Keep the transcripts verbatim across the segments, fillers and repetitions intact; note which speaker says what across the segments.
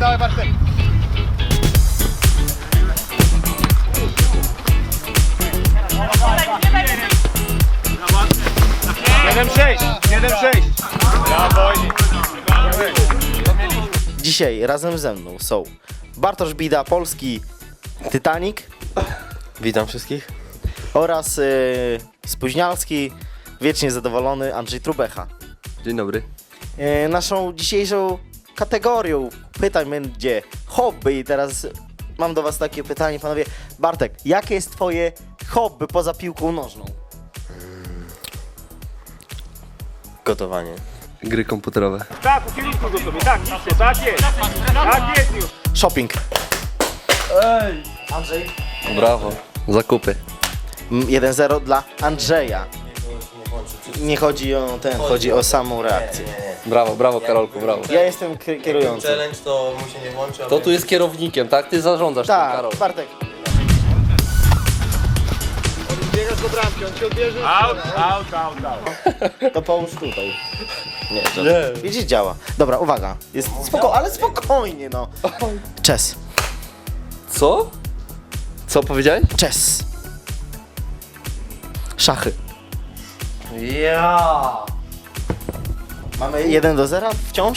Speaker 1: dawaj Bartek.
Speaker 2: siedem sześć, siedem sześć.
Speaker 3: Dzisiaj razem ze mną są Bartosz Bida, polski Titanic.
Speaker 4: Witam wszystkich.
Speaker 3: Oraz yy, spóźnialski, wiecznie zadowolony Andrzej Trubecha.
Speaker 4: Dzień dobry.
Speaker 3: Yy, naszą dzisiejszą kategorią pytań będzie hobby i teraz mam do was takie pytanie, panowie. Bartek, jakie jest twoje hobby poza piłką nożną?
Speaker 4: Gotowanie. Gry komputerowe.
Speaker 2: Tak, po kierunku go sobie, tak, idźcie, tak jest. Tak jest już.
Speaker 3: Shopping. Andrzej.
Speaker 4: Brawo. Zakupy.
Speaker 3: Mm, jeden zero dla Andrzeja. Nie chodzi o ten, chodzi o samą reakcję.
Speaker 4: Brawo, brawo Karolku, brawo.
Speaker 3: Ja jestem k- kierujący.
Speaker 5: Challenge to mu się nie włączy.
Speaker 4: To tu jest kierownikiem, tak? Ty zarządzasz tym,
Speaker 3: Tak,
Speaker 4: Karol.
Speaker 3: Bartek.
Speaker 1: Biegasz do bramki, on ci odbierze.
Speaker 2: Out, out, out, out.
Speaker 3: To połóż tutaj. Nie, to, widzisz, działa. Dobra, uwaga. Jest spoko, ale spokojnie, no. Chess.
Speaker 4: Co? Co powiedziałeś?
Speaker 3: Chess. Szachy.
Speaker 4: Ja.
Speaker 3: Mamy jeden do zera wciąż?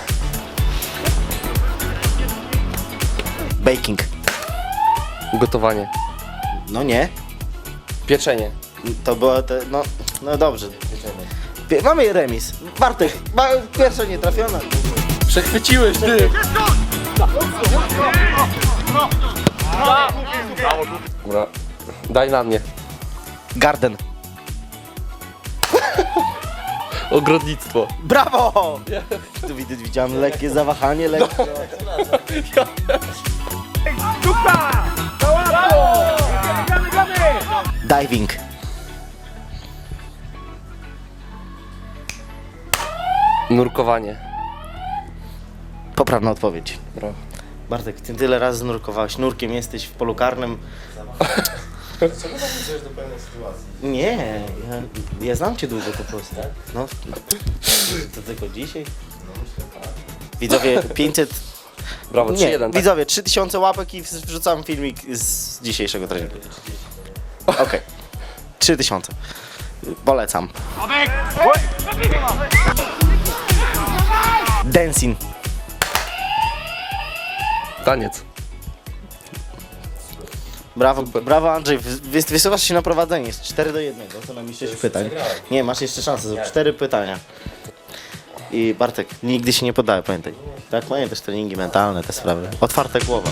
Speaker 3: Baking.
Speaker 4: Gotowanie.
Speaker 3: No nie.
Speaker 4: Pieczenie.
Speaker 3: To było te, no, no dobrze. Pie- mamy remis. Bartek, ma, pierwsza nie trafiona.
Speaker 4: Przechwyciłeś ty. Dobra. Daj na mnie.
Speaker 3: Garden.
Speaker 4: Ogrodnictwo.
Speaker 3: Brawo! Tu widać, widziałem lekkie zawahanie, lekkie.
Speaker 2: Dupa! To łatwo! Gramy, gramy, gramy!
Speaker 3: Diving.
Speaker 4: Nurkowanie.
Speaker 3: Poprawna odpowiedź.
Speaker 4: Brawo.
Speaker 3: Bartek, ty tyle razy nurkowałeś. Nurkiem jesteś w polu karnym.
Speaker 5: Czemu tak idziesz do pewnej sytuacji?
Speaker 3: Nie, ja, ja znam cię długo po prostu. No, to tylko dzisiaj. Widzowie, pięćset...
Speaker 4: Brawo, trzy
Speaker 3: Nie,
Speaker 4: jeden. Tak?
Speaker 3: widzowie, trzy tysiące łapek i wrzucam filmik z dzisiejszego treningu. Okej. trzy tysiące. Polecam. Dancing.
Speaker 4: Taniec.
Speaker 3: Brawo, brawo Andrzej, Wy- wysuwasz się na prowadzenie, jest cztery do jednego, to nam sześć pytań. Nie, masz jeszcze szansę, są cztery pytania. I Bartek, nigdy się nie poddaj, pamiętaj. Tak, pamiętasz treningi mentalne, te sprawy. Otwarta głowa.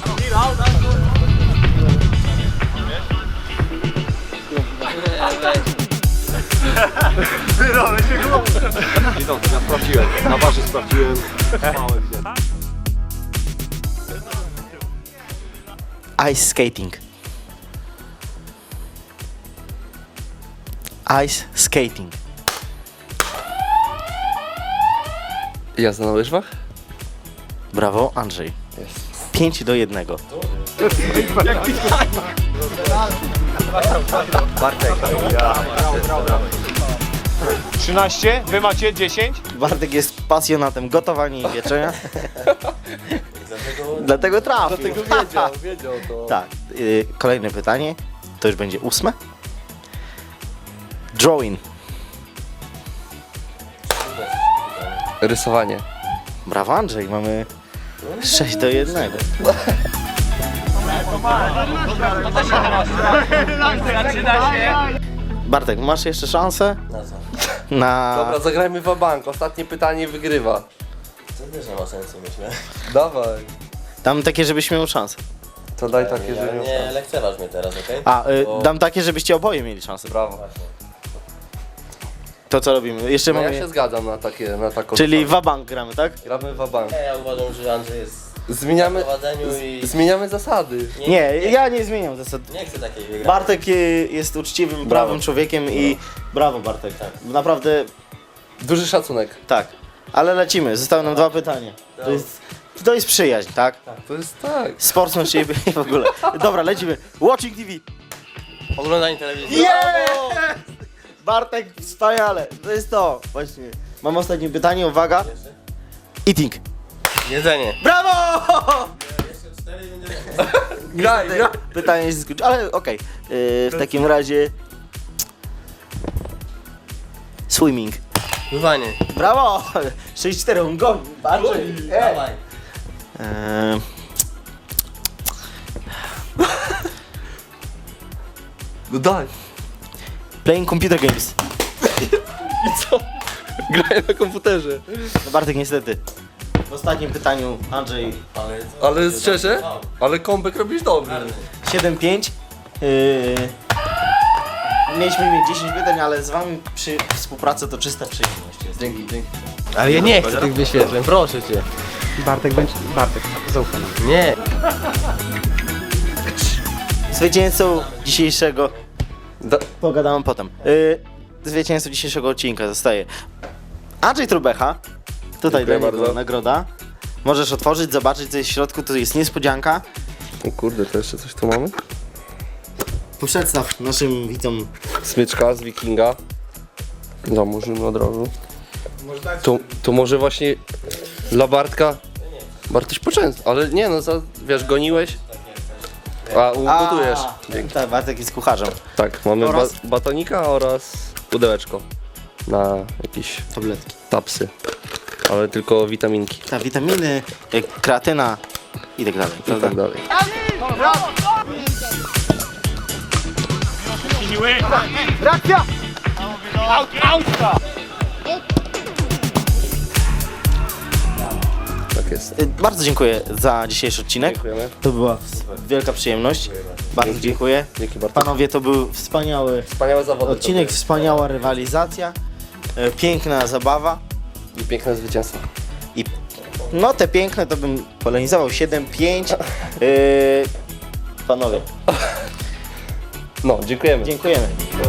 Speaker 1: Ja sprawdziłem, na barze sprawdziłem.
Speaker 3: Ice skating. Ice skating.
Speaker 4: Jazda na łyżwach?
Speaker 3: Brawo Andrzej. pięć do jednego.
Speaker 2: trzynaście, wy macie dziesięć.
Speaker 3: Bartek jest pasjonatem gotowania i pieczenia. Dlatego trafił.
Speaker 4: Dlatego wiedział, wiedział to.
Speaker 3: Tak. y, Kolejne pytanie. To już będzie ósme. Drawing.
Speaker 4: Rysowanie.
Speaker 3: Brawo Andrzej, mamy sześć do jednego. Bartek, masz jeszcze szansę
Speaker 5: Na co?
Speaker 3: na...
Speaker 4: Dobra, zagrajmy w bank. Ostatnie pytanie wygrywa.
Speaker 5: To też nie ma sensu, myślę.
Speaker 4: Dawaj.
Speaker 3: Dam takie, żebyś miał szansę.
Speaker 4: To daj takie,
Speaker 5: Ja
Speaker 4: że miał
Speaker 5: nie
Speaker 4: szansę.
Speaker 5: lekceważ mnie teraz, okej?
Speaker 3: A, y,
Speaker 4: O.
Speaker 3: dam takie, żebyście oboje mieli szansę.
Speaker 4: Brawo.
Speaker 3: To co robimy? Jeszcze
Speaker 4: No ja
Speaker 3: mamy...
Speaker 4: się zgadzam na takie, na taką.
Speaker 3: Czyli wabank gramy, tak?
Speaker 4: Gramy w bank.
Speaker 5: Nie, ja uważam, że Andrzej jest
Speaker 4: Zmieniamy,
Speaker 5: w prowadzeniu i...
Speaker 4: zmieniamy zasady.
Speaker 3: Nie, ja nie zmieniam zasad.
Speaker 5: Nie chcę takiej wygrać.
Speaker 3: Bartek y, jest uczciwym, prawym człowiekiem i brawo Bartek. Naprawdę
Speaker 4: Duży szacunek.
Speaker 3: tak. Ale lecimy, zostały nam dwa pytania. To jest, to jest przyjaźń, tak?
Speaker 4: To jest tak.
Speaker 3: Sportsman siebie w ogóle. Dobra, lecimy. Watching T V.
Speaker 5: Oglądanie telewizji.
Speaker 3: Yeah! Bartek, wspaniale. To jest to. Właśnie. Mam ostatnie pytanie, uwaga. Eating.
Speaker 5: Jedzenie.
Speaker 3: Brawo!
Speaker 4: Graj, graj.
Speaker 3: Pytanie jest skończone, ale okej. Yy, w takim razie... Swimming.
Speaker 5: Pływanie.
Speaker 3: Brawo! sześć cztery, on goni. Bardziej.
Speaker 5: Dawaj.
Speaker 3: Eee,
Speaker 4: No daj.
Speaker 3: playing computer games.
Speaker 4: Graj na komputerze.
Speaker 3: No Bartek niestety. W ostatnim pytaniu Andrzej
Speaker 4: Ale szczerze? Ale kombek robisz dobry.
Speaker 3: siedem pięć. Yy, mieliśmy mieć dziesięć pytań, ale z wami przy współpracy to czysta przyjemność jest.
Speaker 4: Dzięki, dzięki.
Speaker 5: Ale ja nie chcę tych wyświetleń, proszę cię.
Speaker 2: Bartek będzie... Bartek, zaufaj nam.
Speaker 5: Nie.
Speaker 3: Zwycięzcą dzisiejszego...
Speaker 4: Da
Speaker 3: Pogadamy potem. Yy, zwycięzcą dzisiejszego odcinka zostaje Andrzej Trubecha. Tutaj
Speaker 4: Dziękuję
Speaker 3: dla niego
Speaker 4: bardzo.
Speaker 3: nagroda. Możesz otworzyć, zobaczyć co jest w środku, to jest niespodzianka.
Speaker 4: O kurde, to jeszcze coś tu mamy?
Speaker 3: Przedstaw naszym widzom.
Speaker 4: Smyczka z Wikinga. Zamurzymy od razu. To, to może właśnie dla Bartka. Bartuś poczęst, ale nie no, za, wiesz, goniłeś. A, ugotujesz. Dzięki.
Speaker 3: Tak, Bartek jest kucharzem.
Speaker 4: Tak, mamy ba
Speaker 3: Oraz?
Speaker 4: batonika oraz pudełeczko na jakieś
Speaker 3: Tabletki.
Speaker 4: tapsy. Ale tylko witaminki
Speaker 3: Ta witaminy, jak kreatyna i tak dalej.
Speaker 4: i
Speaker 3: Prawda?
Speaker 4: tak dalej.
Speaker 2: Reakcja! Aut, autka!
Speaker 4: Tak jest.
Speaker 3: Y, Bardzo dziękuję za dzisiejszy odcinek.
Speaker 4: Dziękujemy.
Speaker 3: To była wielka przyjemność. Bardzo dziękuję.
Speaker 4: Dzięki bardzo.
Speaker 3: Panowie, to był wspaniały
Speaker 4: Wspaniałe zawody.
Speaker 3: odcinek, wspaniała rywalizacja, y, piękna zabawa.
Speaker 4: I piękne zwycięstwo.
Speaker 3: I no te piękne to bym polemizował siedem pięć. Yy, panowie,
Speaker 4: No, dziękujemy.
Speaker 3: dziękujemy.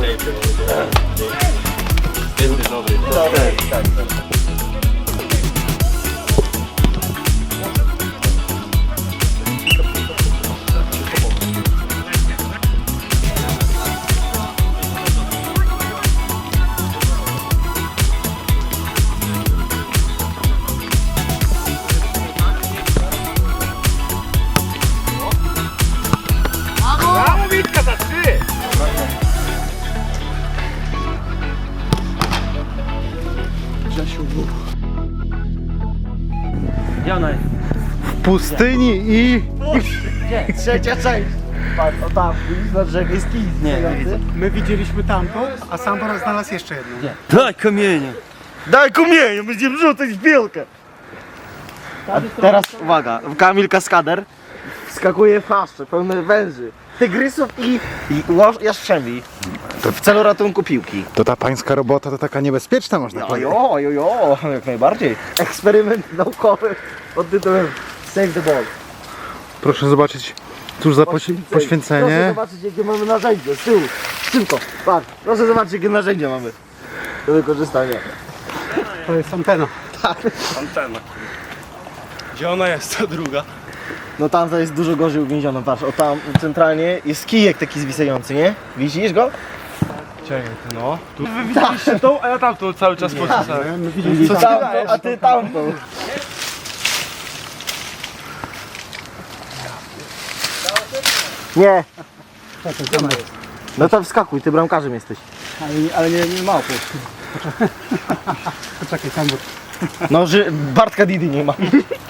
Speaker 2: Brawo, Witka, za trzy!
Speaker 6: pustyni i...
Speaker 3: Trzecia część. Patrz, o tam, widzisz na drzewie jest kij. Nie, nie widzę.
Speaker 6: My widzieliśmy tamtą, a Sambor znalazł jeszcze jedną.
Speaker 2: Daj kamienie!
Speaker 3: Daj kumienie, będziemy rzucać w piłkę. A teraz uwaga, Kamil Kaskader wskakuje w paszcze pełne węży, tygrysów i, i łoż- jaszczemi w celu ratunku piłki.
Speaker 6: To ta pańska robota to taka niebezpieczna, można powiedzieć.
Speaker 3: Ojo, ojo, jak najbardziej. Eksperyment naukowy pod tytułem Save the Ball.
Speaker 6: Proszę zobaczyć, tuż za poś-
Speaker 3: Proszę
Speaker 6: poświęcenie.
Speaker 3: zobaczyć jakie mamy narzędzie, z tyłu, szybko, patrz, proszę zobaczyć jakie narzędzia mamy do wykorzystania.
Speaker 6: To jest antena.
Speaker 2: Antena. Gdzie ona jest, ta druga?
Speaker 3: No tam to jest dużo gorzej uwięziona, patrz, o tam centralnie jest kijek taki zwisający, nie? Widzisz go?
Speaker 2: Czekaj, no. Tu wy widzieliście tą, a ja tamtą cały czas pocisnąłem.
Speaker 6: My widzieliśmy
Speaker 3: Co tamto, a ty tamtą. Nie. No to wskakuj, ty bramkarzem jesteś.
Speaker 6: Ale, ale nie, nie małpy. Poczekaj, Sambor.
Speaker 3: No, że Bartka Didi nie ma.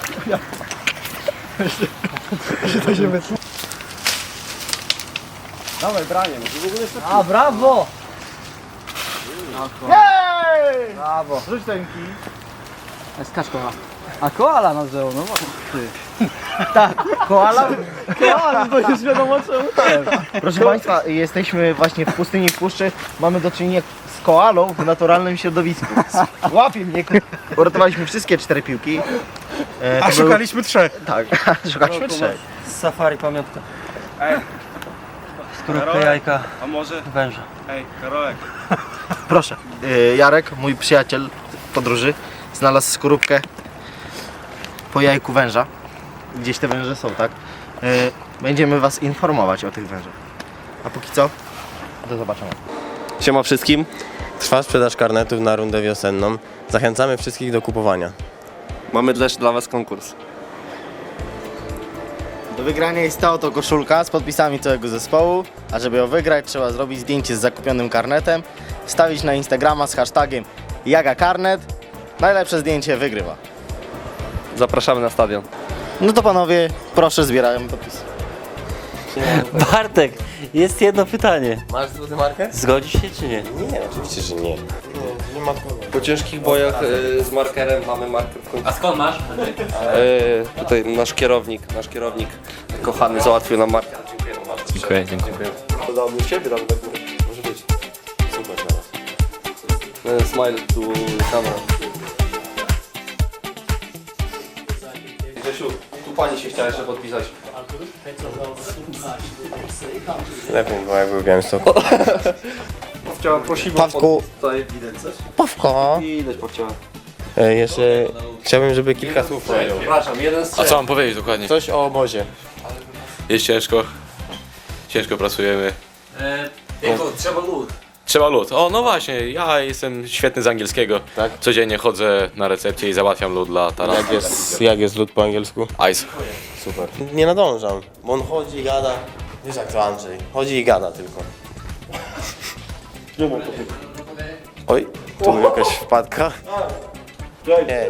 Speaker 2: Dawaj, branie, no w ogóle jest
Speaker 3: A, brawo! Hej!
Speaker 2: brawo.
Speaker 3: Rzuć ten kij.
Speaker 7: Skacz koala. A koala nas wzięło, no ty.
Speaker 3: Tak, koala? Koala, to już wiadomo czemu. Proszę Państwa, jesteśmy właśnie w pustyni w puszczy. Mamy do czynienia z koalą w naturalnym środowisku. Łapie mnie. Uratowaliśmy wszystkie cztery piłki. E, to
Speaker 6: A
Speaker 3: był-
Speaker 6: szukaliśmy trzech.
Speaker 3: Tak, szukaliśmy trzech.
Speaker 7: Z safari pamiątka.
Speaker 2: Ej.
Speaker 7: Skorupkę jajka
Speaker 2: A może...
Speaker 7: węża.
Speaker 2: Ej, Karolek.
Speaker 3: Proszę. E, Jarek, mój przyjaciel w podróży, znalazł skorupkę po jajku węża. Gdzieś te węże są, tak? E, Będziemy Was informować o tych wężach. A póki co, do zobaczenia.
Speaker 5: Siema wszystkim. Trwa sprzedaż karnetów na rundę wiosenną. Zachęcamy wszystkich do kupowania.
Speaker 4: Mamy też dla was konkurs.
Speaker 3: Do wygrania jest ta oto koszulka z podpisami całego zespołu, a żeby ją wygrać trzeba zrobić zdjęcie z zakupionym karnetem, wstawić na Instagrama z hashtagiem JagaKarnet. Najlepsze zdjęcie wygrywa.
Speaker 4: Zapraszamy na stadion.
Speaker 3: No to panowie, proszę zbierają podpisy.
Speaker 7: Bartek, jest jedno pytanie.
Speaker 5: Masz złoty markę?
Speaker 7: Zgodzisz się czy nie?
Speaker 5: Nie, oczywiście, że nie. Nie, nie ma kogo.
Speaker 4: Po ciężkich bojach y, z markerem mamy marker w końcu.
Speaker 8: A skąd masz?
Speaker 4: Y, tutaj nasz kierownik, nasz kierownik kochany załatwił nam marker. Dziękujemy bardzo.
Speaker 8: Dziękuję, dziękuję.
Speaker 5: Dodał mi siebie, dam do góry. Może być. Super teraz.
Speaker 4: Y, Smile tu kamera. Grzesiu, tu pani się chciała jeszcze podpisać.
Speaker 5: Lepiej było jak był w Białymstoku.
Speaker 4: Chciałem prosić
Speaker 3: Pawku.
Speaker 4: Tutaj widać coś?
Speaker 3: Pawko!
Speaker 4: Widać powciała.
Speaker 5: E, jeszcze chciałbym, żeby kilka słów powiedział.
Speaker 4: Przepraszam, jeden z
Speaker 8: A co mam powiedzieć dokładnie?
Speaker 5: Coś o obozie.
Speaker 8: Jest ciężko. Ciężko pracujemy. Jako, trzeba lód. Trzeba lód. O, no właśnie, ja jestem świetny z angielskiego.
Speaker 5: Tak?
Speaker 8: Codziennie chodzę na recepcję i załatwiam lód dla Tarasa.
Speaker 5: Jak jest, jak jest lód po angielsku?
Speaker 8: Ice.
Speaker 5: Super. Nie nadążam, bo on chodzi i gada. Wiesz jak to Andrzej. Chodzi i gada tylko. Oj, tu jakaś wpadka. Nie.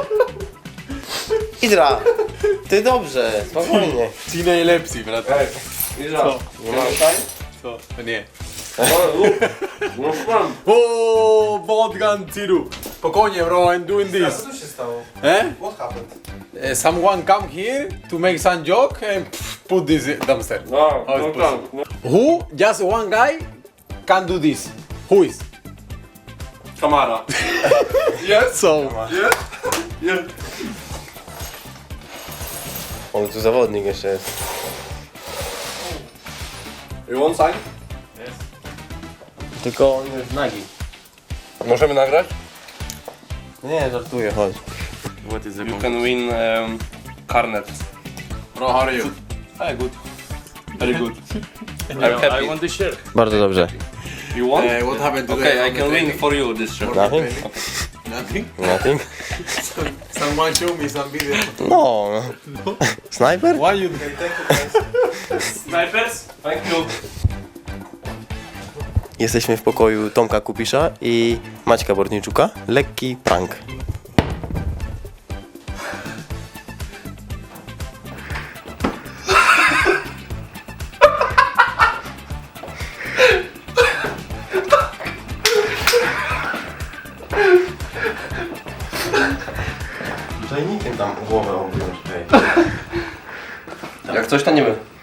Speaker 5: Idra! Ty dobrze, spokojnie.
Speaker 2: Ci najlepsi, brat.
Speaker 4: Mira,
Speaker 5: Nie masz?
Speaker 2: To nie.
Speaker 4: no mam.
Speaker 2: O, Botgun Tiru. Spokojnie, bro, I'm doing this.
Speaker 5: Co się stało?
Speaker 2: Eh?
Speaker 5: What happened?
Speaker 2: Uh, someone come here to make some joke and pff, put this in dumpster.
Speaker 4: No,
Speaker 2: How
Speaker 4: no
Speaker 2: is
Speaker 4: tam.
Speaker 2: possible? Who? Just one guy can do this. Who is?
Speaker 4: Kamara.
Speaker 2: So.
Speaker 5: On tu zawodnik jeszcze jest.
Speaker 4: You want sign?
Speaker 5: Tylko on jest nagi.
Speaker 4: Możemy nagrać?
Speaker 5: Nie, żartuję, chodź.
Speaker 8: What is the
Speaker 4: You can win um, karnet.
Speaker 2: Bro, how are you?
Speaker 8: Hey, good. Very good.
Speaker 4: I'm happy.
Speaker 8: I want this shirt.
Speaker 5: Bardzo dobrze.
Speaker 4: You want?
Speaker 2: Uh, what happened today?
Speaker 4: Okay, I
Speaker 2: on
Speaker 4: can
Speaker 2: the
Speaker 4: win
Speaker 2: training?
Speaker 4: for you this shirt.
Speaker 5: Nothing?
Speaker 2: Nothing.
Speaker 5: Nothing?
Speaker 2: Someone show me some video.
Speaker 5: No. Snajper?
Speaker 2: Why you?
Speaker 8: Snipers?
Speaker 4: Thank you.
Speaker 5: Jesteśmy w pokoju Tomka Kupisza i Maćka Bortniczuka. Lekki prank. Czajnikiem tam głowę objąć.
Speaker 4: Jak coś to nie my.